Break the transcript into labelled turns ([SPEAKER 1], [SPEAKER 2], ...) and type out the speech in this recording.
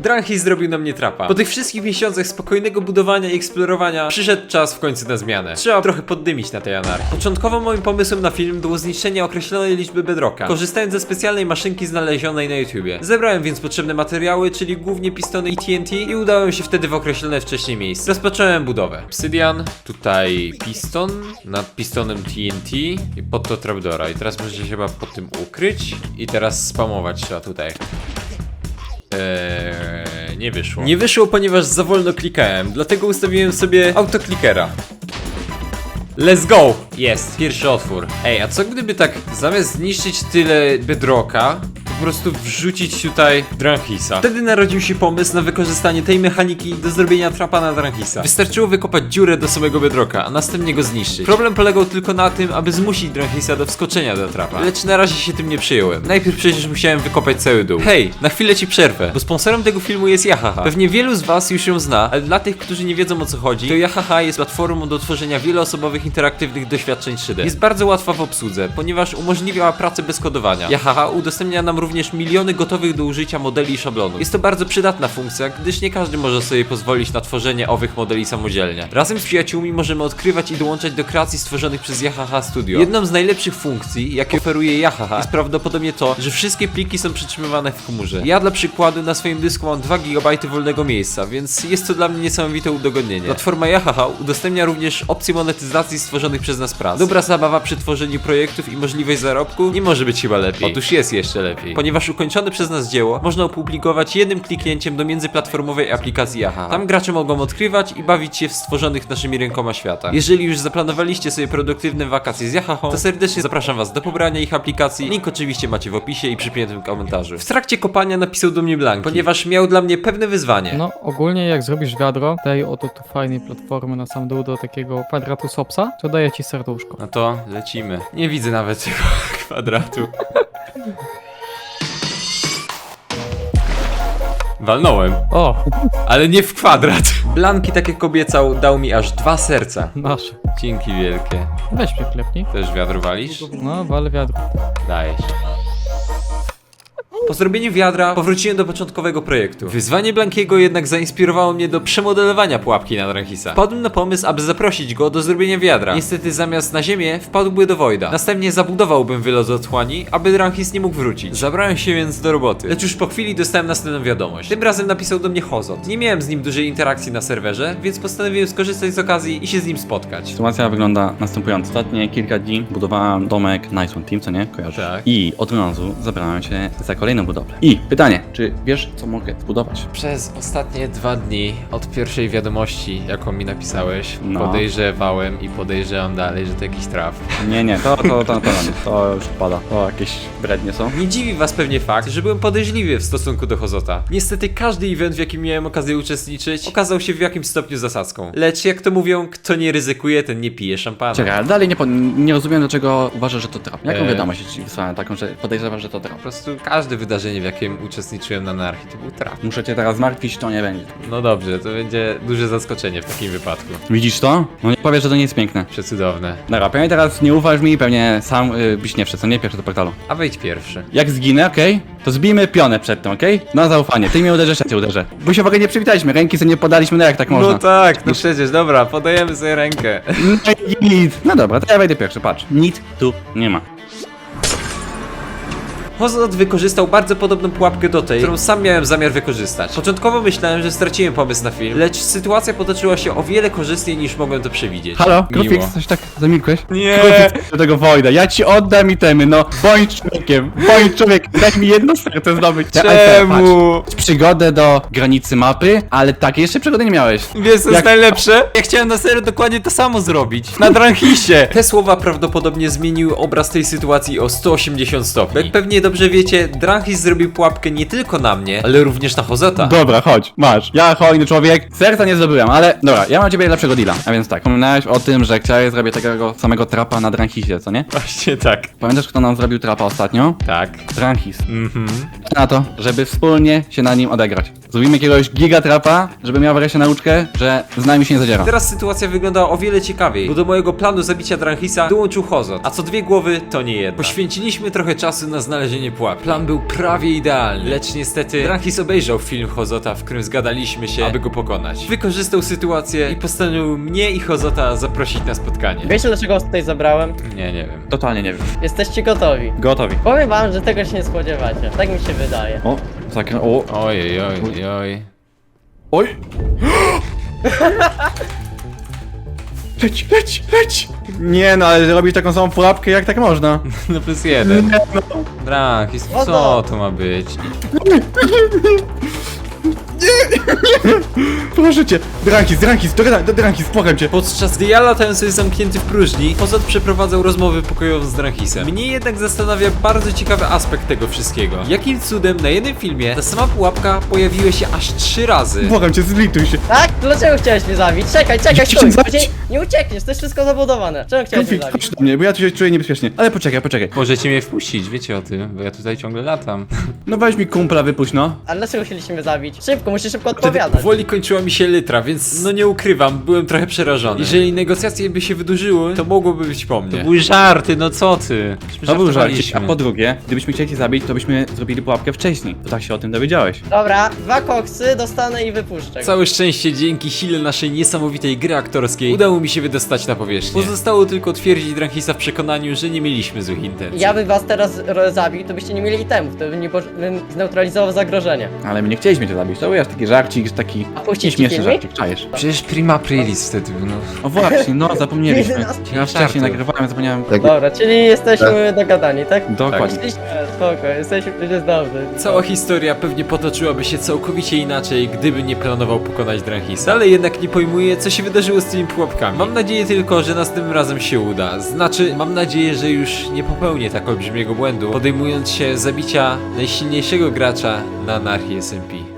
[SPEAKER 1] Dranhis zrobił na mnie trapa. Po tych wszystkich miesiącach spokojnego budowania i eksplorowania przyszedł czas w końcu na zmianę. Trzeba trochę poddymić na tej anarchii. Początkowo moim pomysłem na film było zniszczenie określonej liczby bedrocka, korzystając ze specjalnej maszynki znalezionej na YouTubie. Zebrałem więc potrzebne materiały, czyli głównie pistony i TNT i udałem się wtedy w określone wcześniej miejsce. Rozpocząłem budowę. Obsydian, tutaj piston, nad pistonem TNT i pod to trapdora. I teraz możecie się chyba pod tym ukryć i teraz spamować trzeba tutaj. Nie wyszło. Nie wyszło, ponieważ za wolno klikałem, dlatego ustawiłem sobie autoklikera. Let's go! Jest, pierwszy otwór. Ej, a co gdyby tak zamiast zniszczyć tyle bedrocka, po prostu wrzucić tutaj Dranhisa? Wtedy narodził się pomysł na wykorzystanie tej mechaniki do zrobienia trapa na Dranhisa. Wystarczyło wykopać dziurę do samego bedrocka, a następnie go zniszczyć. Problem polegał tylko na tym, aby zmusić Dranhisa do wskoczenia do trapa. Lecz na razie się tym nie przyjąłem. Najpierw przecież musiałem wykopać cały dół. Hej, na chwilę ci przerwę, bo sponsorem tego filmu jest Yahaha. Pewnie wielu z was już ją zna, ale dla tych, którzy nie wiedzą o co chodzi, to Yahaha jest platformą do tworzenia wieloosobowych interaktywnych doświadczeń 3D. Jest bardzo łatwa w obsłudze, ponieważ umożliwia pracę bez kodowania. Yahaha udostępnia nam również miliony gotowych do użycia modeli i szablonów. Jest to bardzo przydatna funkcja, gdyż nie każdy może sobie pozwolić na tworzenie owych modeli samodzielnie. Razem z przyjaciółmi możemy odkrywać i dołączać do kreacji stworzonych przez Yahaha Studio. Jedną z najlepszych funkcji, jakie oferuje Yahaha, jest prawdopodobnie to, że wszystkie pliki są przetrzymywane w chmurze. Ja dla przykładu na swoim dysku mam 2 GB wolnego miejsca, więc jest to dla mnie niesamowite udogodnienie. Platforma Yahaha udostępnia również opcję monetyzacji stworzonych przez nas prac. Dobra zabawa przy tworzeniu projektów i możliwość zarobku nie może być chyba lepiej. Otóż jest jeszcze lepiej. Ponieważ ukończone przez nas dzieło można opublikować jednym kliknięciem do międzyplatformowej aplikacji Yahaha. Tam gracze mogą odkrywać i bawić się w stworzonych naszymi rękoma świata. Jeżeli już zaplanowaliście sobie produktywne wakacje z Yahahą, to serdecznie zapraszam was do pobrania ich aplikacji. Link oczywiście macie w opisie i przypiętym komentarzu. W trakcie kopania napisał do mnie Blanki, ponieważ miał dla mnie pewne wyzwanie.
[SPEAKER 2] No, ogólnie jak zrobisz wiadro, tej oto tu fajnej platformy na sam dół do takiego kwadratu sopsa, to daje ci serduszko.
[SPEAKER 1] No to lecimy. Nie widzę nawet tego kwadratu. Walnąłem.
[SPEAKER 2] O,
[SPEAKER 1] Ale nie w kwadrat. Blanki, tak jak obiecał, dał mi aż 2 serca.
[SPEAKER 2] nasze.
[SPEAKER 1] Dzięki wielkie.
[SPEAKER 2] Weź mnie klepnij.
[SPEAKER 1] Też wiadro walisz?
[SPEAKER 2] No, wale wiadro.
[SPEAKER 1] Dajesz. Po zrobieniu wiadra powróciłem do początkowego projektu. Wyzwanie Blankiego jednak zainspirowało mnie do przemodelowania pułapki na Dranhisa. Wpadłem na pomysł, aby zaprosić go do zrobienia wiadra. Niestety zamiast na ziemię wpadłby do Voida. Następnie zabudowałbym wylot otchłani, aby Dranhis nie mógł wrócić. Zabrałem się więc do roboty. Lecz już po chwili dostałem następną wiadomość. Tym razem napisał do mnie Hozot. Nie miałem z nim dużej interakcji na serwerze, więc postanowiłem skorzystać z okazji i się z nim spotkać.
[SPEAKER 3] Sytuacja wygląda następująco. Ostatnie kilka dni budowałem domek Nice One Team, co nie? Kojarzysz?
[SPEAKER 1] Tak.
[SPEAKER 3] I od razu zabrałem się za kolejną budowlę. I pytanie, czy wiesz, co mogę zbudować?
[SPEAKER 1] Przez ostatnie 2 dni od pierwszej wiadomości, jaką mi napisałeś,
[SPEAKER 3] No.
[SPEAKER 1] podejrzewałem i podejrzewam dalej, że to jakiś traf.
[SPEAKER 3] Nie, to już pada. To jakieś brednie są.
[SPEAKER 1] Nie dziwi was pewnie fakt, że byłem podejrzliwy w stosunku do Hozota. Niestety każdy event, w jakim miałem okazję uczestniczyć, okazał się w jakimś stopniu zasadzką. Lecz jak to mówią, kto nie ryzykuje, ten nie pije szampana.
[SPEAKER 3] Czekaj, ale dalej nie rozumiem, dlaczego uważasz, że to trap. Jaką
[SPEAKER 1] Eee.
[SPEAKER 3] wiadomość ci wysłałem taką, że podejrzewasz, że to trap?
[SPEAKER 1] Po prostu każde wydarzenie, w jakim uczestniczyłem na anarchii, to był traf.
[SPEAKER 3] Muszę cię teraz zmartwić, to nie będzie.
[SPEAKER 1] No dobrze, to będzie duże zaskoczenie w takim wypadku.
[SPEAKER 3] Widzisz to? No nie powiesz, że to nie jest piękne.
[SPEAKER 1] Przecudowne.
[SPEAKER 3] Dobra, pewnie teraz nie ufasz mi, pewnie sam byś nie wszedł, co nie? Pierwszy do portalu.
[SPEAKER 1] A wejdź pierwszy.
[SPEAKER 3] Jak zginę, okej? To zbijmy pionę przed tym, okej? Na zaufanie. Ty mnie uderzysz, ja cię uderzę. Bo się w ogóle nie przywitaliśmy, ręki sobie nie podaliśmy, no jak tak można?
[SPEAKER 1] No tak, no przecież, dobra, podajemy sobie rękę.
[SPEAKER 3] No dobra, to ja wejdę pierwszy, patrz. Nic tu nie ma.
[SPEAKER 1] Hozot wykorzystał bardzo podobną pułapkę do tej, którą sam miałem zamiar wykorzystać. Początkowo myślałem, że straciłem pomysł na film, lecz sytuacja potoczyła się o wiele korzystniej niż mogłem to przewidzieć.
[SPEAKER 3] Halo,
[SPEAKER 1] Miło.
[SPEAKER 3] Krufix, coś tak zamilkłeś?
[SPEAKER 1] Nie.
[SPEAKER 3] Krufix, do tego Voida, ja ci oddam itemy, no. Bądź człowiekiem, daj mi jedno serce zdobyć.
[SPEAKER 1] Czemu?
[SPEAKER 3] Patrz, przygodę do granicy mapy, ale takiej jeszcze przygody nie miałeś.
[SPEAKER 1] Wiesz co jest najlepsze? Ja chciałem na serio dokładnie to samo zrobić. Na Dranhisie. Te słowa prawdopodobnie zmieniły obraz tej sytuacji o 180 stopni. Jak pewnie dobrze wiecie, Dranhis zrobił pułapkę nie tylko na mnie, ale również na Hozota.
[SPEAKER 3] Dobra, chodź, masz. Ja hojny człowiek, serca nie zdobyłem, ale dobra, ja mam ciebie lepszego deala. A więc tak, wspominałeś o tym, że chciałeś zrobić takiego samego trapa na Dranhisie, co nie?
[SPEAKER 1] Właśnie tak.
[SPEAKER 3] Pamiętasz, kto nam zrobił trapa ostatnio?
[SPEAKER 1] Tak.
[SPEAKER 3] Dranhis. Na to, żeby wspólnie się na nim odegrać. Zrobimy jakiegoś gigatrapa, żeby miał wreszcie nauczkę, że z nami się nie zadziera.
[SPEAKER 1] Teraz sytuacja wyglądała o wiele ciekawiej, bo do mojego planu zabicia Dranhisa dołączył Hozot, a co 2 głowy to nie jedna. Poświęciliśmy trochę czasu na znalezienie przechodzenie pułap. Plan był prawie idealny, lecz niestety Dranhis obejrzał film Hozota, w którym zgadaliśmy się, aby go pokonać. Wykorzystał sytuację i postanowił mnie i Hozota zaprosić na spotkanie.
[SPEAKER 4] Wiecie dlaczego was tutaj zabrałem?
[SPEAKER 1] Nie wiem.
[SPEAKER 3] Totalnie nie wiem.
[SPEAKER 4] Jesteście gotowi.
[SPEAKER 3] Gotowi.
[SPEAKER 4] Powiem wam, że tego się nie spodziewacie. Tak mi się wydaje.
[SPEAKER 3] O, zakrę... O,
[SPEAKER 1] Ojej, oj.
[SPEAKER 3] oj! Leć! Nie no, ale robić taką samą pułapkę, jak tak można?
[SPEAKER 1] No +1. Dranhis, co to ma być?
[SPEAKER 3] Proszę cię! Dranhis, Dranhis, błagam cię!
[SPEAKER 1] Podczas gdy ja latałem sobie zamknięty w próżni, Hozot przeprowadzał rozmowę pokojową z Dranhisem. Mnie jednak zastanawia bardzo ciekawy aspekt tego wszystkiego. Jakim cudem na jednym filmie ta sama pułapka pojawiła się aż 3 razy?
[SPEAKER 3] Błagam cię, zlituj się!
[SPEAKER 4] Tak? Dlaczego chciałeś mnie zabić? Czekaj,
[SPEAKER 3] Chciałem
[SPEAKER 4] stój!
[SPEAKER 3] zabić.
[SPEAKER 4] Nie uciekniesz, to jest wszystko zabudowane. Czemu chciałeś mnie
[SPEAKER 3] Konflikt,
[SPEAKER 4] zabić?
[SPEAKER 3] chodź do mnie, bo ja tu się czuję niebezpiecznie. Ale poczekaj.
[SPEAKER 1] Możecie mnie wpuścić, wiecie o tym, bo ja tutaj ciągle latam.
[SPEAKER 3] No weź mi kumpla, wypuść no.
[SPEAKER 4] A dlaczego chcieliście mnie zabić? Szybko, musisz szybko odpowiadać.
[SPEAKER 1] Powoli kończyła mi się litra, więc no nie ukrywam, byłem trochę przerażony. Jeżeli negocjacje by się wydłużyły, to mogłoby być po mnie. To były żarty, no co ty?
[SPEAKER 3] To był żarcik, a po drugie, gdybyśmy chcieli cię zabić, to byśmy zrobili pułapkę wcześniej. To tak się o tym dowiedziałeś.
[SPEAKER 4] Dobra, 2 koksy dostanę i wypuszczę go.
[SPEAKER 1] Całe szczęście dzięki sile naszej niesamowitej gry aktorskiej udało mi się wydostać na powierzchnię. Pozostało tylko twierdzić Dranhisa w przekonaniu, że nie mieliśmy złych intencji.
[SPEAKER 4] Ja bym was teraz zabił, to byście nie mieli itemów, to bym zneutralizował zagrożenie.
[SPEAKER 3] Ale my nie chcieliśmy cię zabić, to był aż taki żarcik, taki
[SPEAKER 4] A puścić ci
[SPEAKER 3] śmieszny
[SPEAKER 4] filmik?
[SPEAKER 3] żarcik, czajesz.
[SPEAKER 1] Przecież prima aprilis wtedy, no.
[SPEAKER 3] O właśnie, no zapomnieliśmy.
[SPEAKER 4] 11
[SPEAKER 3] Ja wcześniej
[SPEAKER 1] żartów.
[SPEAKER 3] nagrywałem, zapomniałem.
[SPEAKER 4] Dobra, czyli jesteśmy dogadani, tak?
[SPEAKER 3] Dokładnie.
[SPEAKER 4] Oczywiście, spoko, jesteśmy przecież dobrze.
[SPEAKER 1] Cała historia pewnie potoczyłaby się całkowicie inaczej, gdyby nie planował pokonać Dranhisa, ale jednak nie pojmuję, co się wydarzyło z tymi pułapkami. Mam nadzieję tylko, że następnym razem się uda. Znaczy, mam nadzieję, że już nie popełnię tak olbrzymiego błędu, podejmując się zabicia najsilniejszego gracza na Anarchii SMP.